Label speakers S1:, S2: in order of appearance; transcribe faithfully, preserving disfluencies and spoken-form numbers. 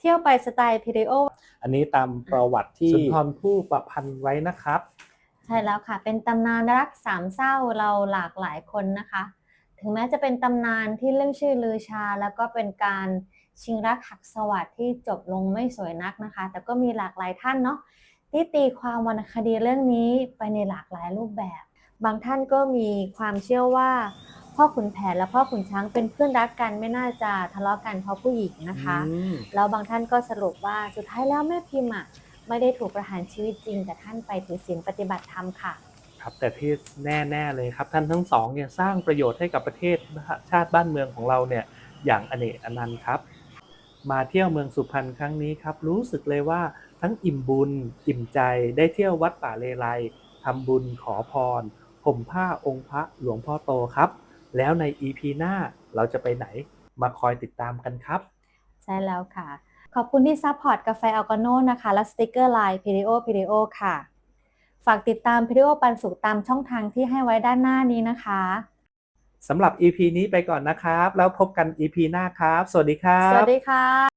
S1: ที่ยวไปสไตล์พีเรโอ
S2: อันนี้ตามประวัติที่สุนทรภู่ประพันธ์ไว้นะครับ
S1: ใช่แล้วค่ะเป็นตำนานรักสามเศร้าเราหลากหลายคนนะคะถึงแม้จะเป็นตำนานที่เรื่องชื่อลือชาแล้วก็เป็นการชิงรักหักสวัสดิ์ที่จบลงไม่สวยนักนะคะแต่ก็มีหลากหลายท่านเนาะที่ตีความวรรณคดีเรื่องนี้ไปในหลากหลายรูปแบบบางท่านก็มีความเชื่อว่าพ่อขุนแผนและพ่อขุนช้างเป็นเพื่อนรักกันไม่น่าจะทะเลาะกันเพราะผู้หญิงนะคะแล้วบางท่านก็สรุปว่าสุดท้ายแล้วแม่พิมพ์อ่ะไม่ได้ถูกประหารชีวิตจริงแต่ท่านไปถือศีลปฏิบัติธรรมค่ะ
S2: ครับแต่ที่แน่ๆเลยครับท่านทั้งสองเนี่ยสร้างประโยชน์ให้กับประเทศชาติบ้านเมืองของเราเนี่ยอย่างอเนกอนันต์ครับมาเที่ยวเมืองสุพรรณครั้งนี้ครับรู้สึกเลยว่าทั้งอิ่มบุญอิ่มใจได้เที่ยววัดป่าเลไลทำบุญขอพรห่มผ้าองค์พระหลวงพ่อโตครับแล้วใน อี พี หน้าเราจะไปไหนมาคอยติดตามกันครับ
S1: ใช่แล้วค่ะขอบคุณที่ซัพพอร์ตกาแฟอัลกาโน่นะคะและสติกเกอร์ไลน์พีดีโอพีดีโอค่ะฝากติดตามพีดีโอปันสุขตามช่องทางที่ให้ไว้ด้านหน้านี้นะคะ
S2: สำหรับ อี พี นี้ไปก่อนนะครับแล้วพบกัน อี พี หน้าครับสวัสดีครับ
S1: สวัสดีค่ะ